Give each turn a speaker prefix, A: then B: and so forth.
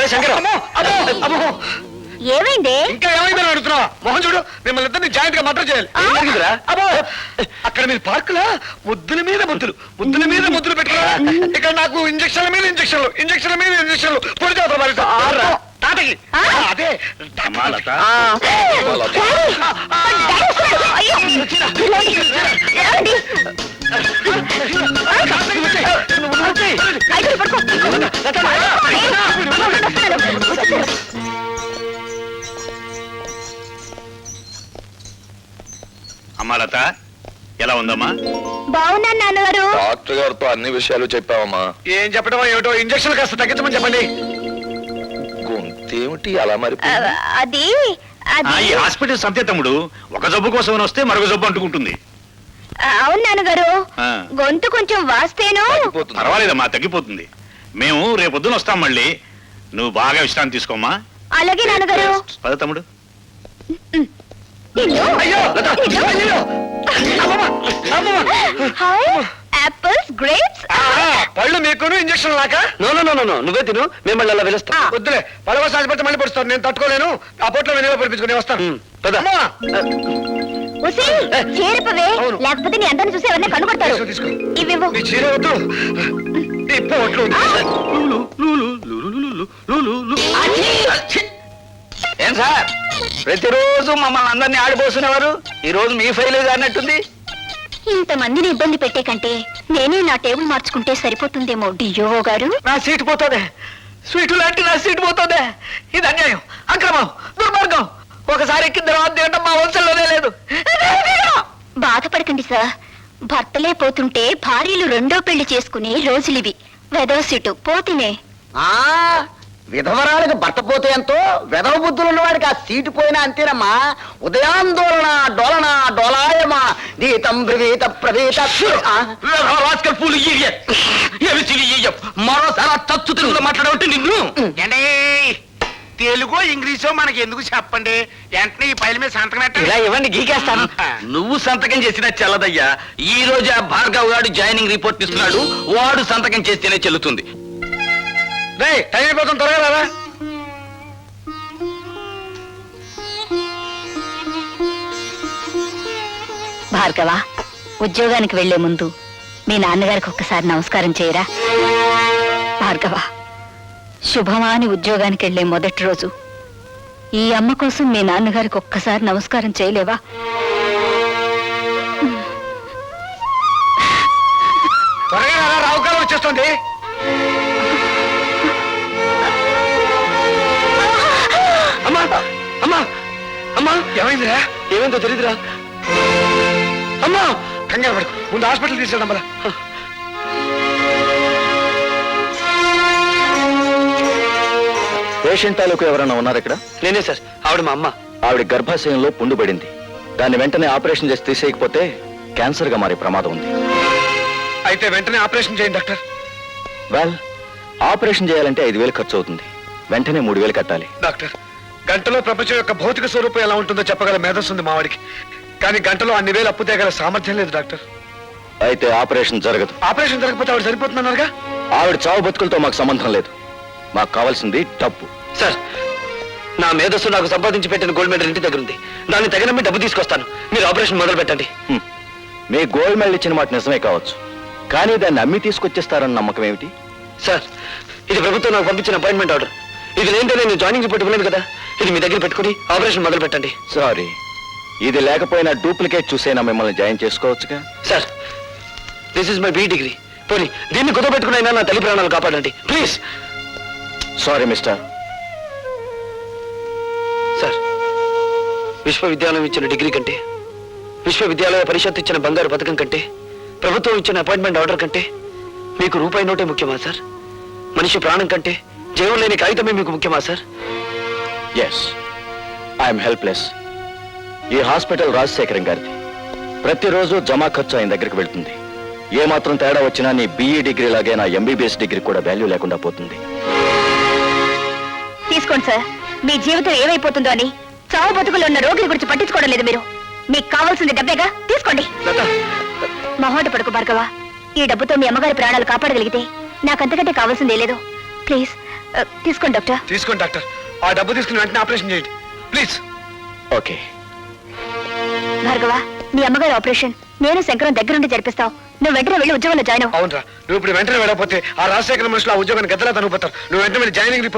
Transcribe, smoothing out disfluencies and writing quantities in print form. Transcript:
A: ఏమైంది?
B: ఇంకా ఏమైందని అడుగుతున్నావా? మోహన్ చూడు, మిమ్మల్ని ఇద్దరిని జాయింట్ గా మటర్ చేయాలి. అబ్బో అక్కడ మీరు పార్కులా ముద్దుల మీద ముద్దులు పెట్టుకున్నా. ఇక్కడ నాకు ఇంజక్షన్ల మీద ఇంజక్షన్లు పొడి చేస్తారు తాతకి. అదే
C: అమ్మా లత, ఎలా ఉందమ్మా?
A: బాగున్నాను నాన్నగారు.
D: డాక్టర్ గారితో అన్ని విషయాలు చెప్పావమ్మా?
B: ఏం చెప్పడం ఏమిటో, ఇంజక్షన్ కాస్త తగ్గించమని చెప్పండి.
D: గొంతేమిటి అలా మరి?
A: అది
C: ఈ హాస్పిటల్ సంతే తమ్ముడు, ఒక జబ్బు కోసం వస్తే మరొక జబ్బు అంటుకుంటుంది.
A: అవును నాన్నగారు, గొంతు కొంచెం వాస్తేను.
C: పర్వాలేదమ్మా, తగ్గిపోతుంది. మేము రేపొద్దున వస్తాం మళ్ళీ. నువ్వు బాగా విశ్రాంతి తీసుకోమ్మా.
A: అలాగే నాన్నగారు.
C: పద తమ్ముడు.
A: Apples, grapes.
B: పళ్ళు మీకును ఇంజక్షన్ లాగా?
E: నువ్వే తిను, మిమ్మల్ని అలా పిలుస్తా.
B: వద్దులే, పడవ సాధిపడితే మళ్ళీ పడుస్తాను. నేను తట్టుకోలేను. ఆ పొట్లో వెనుక పడిపించుకుని వస్తాను.
A: చేరిపవే, లేకపోతే నీ అందరిని చూసి ఎవరిని కనుగొడతారు. ఇవివ్వు.
B: నీ చీర వద్దు, నీ పొట్లు.
E: ఏం సార్, ప్రతిరోజు మమ్మల్ని అందరినీ ఆడిపోస్తున్నవారు ఈ రోజు మీ ఫైల్ అన్నట్టుంది.
A: ఇంతమందిని ఇబ్బంది పెట్టే కంటే నేనే నా టేబుల్ మార్చుకుంటే సరిపోతుందేమో డియో గారు.
E: నా సీటు పోతుంది, స్వీటు లాంటి నా సీటు పోతుంది. ఇది అన్యాయం, అక్రమం, దుర్మార్గం. ఒకసారి ఎక్కిన తర్వాత తినడం మా వంశంలోనే లేదు.
A: బాధపడకండి సార్, భర్తలే పోతుంటే భార్యలు రెండో పెళ్లి చేసుకునే రోజులివి. వెదవ సీటు పోతినే.
E: విధవరాలకు భర్త పోతే ఎంతో, వెధవ బుద్ధులు ఉన్నవాడికి ఆ సీటు పోయినా అంతేనమ్మా. ఉదయాందోళన డోలన డోలాయమా గీతం బ్రవీత ప్రవీత. మరోసారి తచ్చు తెలుగులో మాట్లాడవంటే నిన్ను.
F: తెలుగో ఇంగ్లీషో మనకి ఎందుకు చెప్పండి, వెంటనే ఈ పైల మీద సంతకం పెట్టండి.
E: ఇలా ఇవ్వండి, గీకేస్తాను. నువ్వు సంతకం చేసినా చెల్లదయ్యా. ఈ రోజు ఆ భార్గవ్ గారు జాయినింగ్ రిపోర్ట్ ఇస్తున్నాడు, వాడు సంతకం చేస్తేనే చెల్లుతుంది.
B: టైం అయిపోతుంది, త్వరగా రారా.
A: భార్గవ, ఉద్యోగానికి వెళ్లే ముందు మీ నాన్నగారికి ఒక్కసారి నమస్కారం చేయరా. భార్గవ, శుభమా అని ఉద్యోగానికి వెళ్లే మొదటి రోజు ఈ అమ్మ కోసం మీ నాన్నగారికి ఒక్కసారి నమస్కారం చేయలేవా?
B: త్వరగా రారా, రావుకాలం వచ్చేస్తుంది.
E: అమ్మా అమ్మా అమ్మా,
B: ఏమైందిరా?
E: ఏమైందో తెలీదురా. అమ్మా,
B: కంగారు పడుకు, ముందు హాస్పిటల్ తీసుకెళ్దాం. మళ్ళా
D: పేషెంట్ తాలూకు ఎవరైనా ఉన్నారు ఇక్కడ?
E: నేనే సార్, ఆవిడ మా అమ్మ.
D: ఆవిడ గర్భాశయంలో పుండు పడింది. దాన్ని వెంటనే ఆపరేషన్ చేసి తీసేయకపోతే క్యాన్సర్ గా మారే ప్రమాదం ఉంది.
B: అయితే వెంటనే ఆపరేషన్ చేయండి డాక్టర్.
D: వెల్, ఆపరేషన్ చేయాలంటే 5,000 ఖర్చు అవుతుంది. వెంటనే 3,000 కట్టాలి.
B: డాక్టర్, గంటలో ప్రపంచం యొక్క భౌతిక స్వరూపం ఎలా ఉంటుందో చెప్పగల మేధస్సు ఉంది మావాడికి. కానీ గంటలో అన్ని వేలు అప్పు తేగల సామర్థ్యం లేదు డాక్టర్.
D: అయితే ఆపరేషన్ జరగదు.
B: ఆపరేషన్ జరగకపోతే ఆవిడ సరిపోతున్నారుగా.
D: ఆవిడ చావు బతుకులతో మాకు సంబంధం లేదు. మాకు కావాల్సింది డబ్బు.
E: సార్, నా మేధస్సు నాకు సంపాదించి పెట్టిన గోల్డ్ మెడల్ ఇంటి దగ్గర ఉంది. దాన్ని తగిన మీ డబ్బు తీసుకొస్తాను. మీరు ఆపరేషన్ మొదలు పెట్టండి.
D: మీ గోల్డ్ మెడల్ ఇచ్చిన మాట నిజమే కావచ్చు, కానీ దాన్ని అమ్మి తీసుకొచ్చేస్తారన్న నమ్మకం ఏమిటి?
E: సార్, ఇది ప్రభుత్వం నాకు పంపించిన అపాయింట్మెంట్ ఆర్డర్. ఇది లేదంటే నేను జాయినింగ్ రిపోర్ట్ ఇవ్వలేదు కదా. ఇది మీ దగ్గర పెట్టుకుని ఆపరేషన్ మొదలు పెట్టండి.
D: సారీ, ఇది లేకపోయినా డూప్లికేట్ చూసైనా మిమ్మల్ని జాయిన్ చేసుకోవచ్చుగా.
E: Sir, this is my B degree. పోనీ దీన్ని కుదపెట్టుకునైనా నా తల్లి ప్రాణాలు కాపాడండి ప్లీజ్.
D: Sorry mister.
E: సార్, విశ్వవిద్యాలయం ఇచ్చిన డిగ్రీ కంటే, విశ్వవిద్యాలయ పరిషత్ ఇచ్చిన బంగారు పథకం కంటే, ప్రభుత్వం ఇచ్చిన అపాయింట్మెంట్ ఆర్డర్ కంటే మీకు రూపాయి నోటే ముఖ్యమా సార్? మనిషి ప్రాణం కంటే జీవం లేని కాగితమే మీకు ముఖ్యమా సార్?
D: Yes, I'm helpless. ఈ హాస్పిటల్ రాజశేఖరం గారిది. ప్రతిరోజు జమా ఖర్చు ఆయన దగ్గరికి వెళ్తుంది. ఏమాత్రం తేడా వచ్చినా నీ BE డిగ్రీ లాగే నా MBBS డిగ్రీ కూడా వాల్యూ లేకుండా పోతుంది.
A: తీసుకోండి సార్. మీ జీవితం ఏమైపోతుందో అని చావు బతుకులు ఉన్న రోగుల గురించి పట్టించుకోవడం లేదు మీరు. మీకు కావాల్సింది డబ్బేగా, తీసుకోండి. మొహోట పడుకు భార్గవ. ఈ డబ్బుతో మీ అమ్మగారి ప్రాణాలు కాపాడగలిగితే నాకంతకంటే కావాల్సిందే లేదు. ప్లీజ్ తీసుకోండి డాక్టర్.
B: తీసుకోండి డాక్టర్. ఆ డబ్బు తీసుకుని వెంటనే ఆపరేషన్ చేయండి ప్లీజ్.
D: ఓకే.
A: భార్గవ, నీ అమ్మగారి ఆపరేషన్ నేను శంకరం దగ్గరుండి జరిపిస్తావు. నువ్వు వెంటనే వెళ్ళి ఉద్యోగంలో జాయిన్ అవ్వు.
B: అవునరా, నువ్వు ఇప్పుడు వెంటనే వెళ్ళకపోతే ఆ రాజశేఖర మనుషులు ఆ ఉద్యోగాన్ని గద్దలా తనుకుపోతారు. నువ్వు వెంటనే వెళ్ళి జాయినింగ్ రిపోర్ట్